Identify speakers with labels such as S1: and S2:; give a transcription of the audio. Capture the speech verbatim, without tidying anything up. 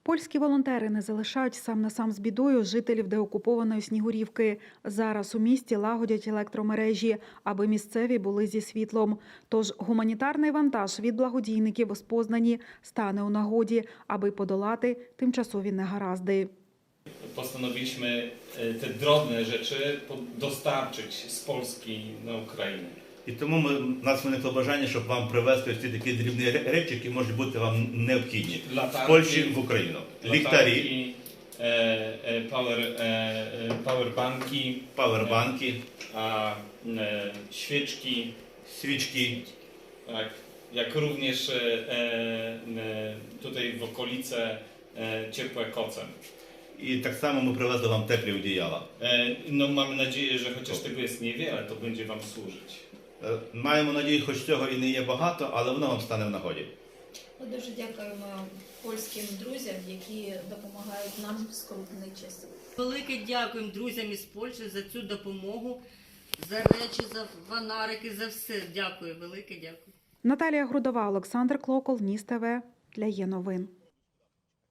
S1: Польські волонтери не залишають сам на сам з бідою жителів деокупованої Снігурівки. Зараз у місті лагодять електромережі, аби місцеві були зі світлом. Тож гуманітарний вантаж від благодійників з Познані стане у нагоді, аби подолати тимчасові негаразди.
S2: Postanowiliśmy te drobne rzeczy dostarczyć z Polski na Ukrainę.
S3: І тому ми, у нас виникло бажання, щоб вам привезти ці такі дрібні речі, які можуть бути вам необхідні з Польщі в Україну. Ліхтарі,
S2: пауербанки,
S3: пауербанки,
S2: świeczki,
S3: свічки.
S2: tak, jak również tutaj w okolice ciepłe koce.
S3: І так само ми привезли вам теплі одіяла.
S2: No mamy nadzieję, że chociaż tego jest niewiele, to będzie wam służyć.
S3: Маємо надію, хоч цього і не є багато, але воно вам стане в нагоді.
S4: Ми дуже дякуємо польським друзям, які допомагають нам в скрутний час.
S5: Велике дякуємо друзям із Польщі за цю допомогу, за речі, за фонарики, за все. Дякую, велике дякую.
S1: Наталія Грудова, Олександр Клокол, Ніс ТВ для Є новин.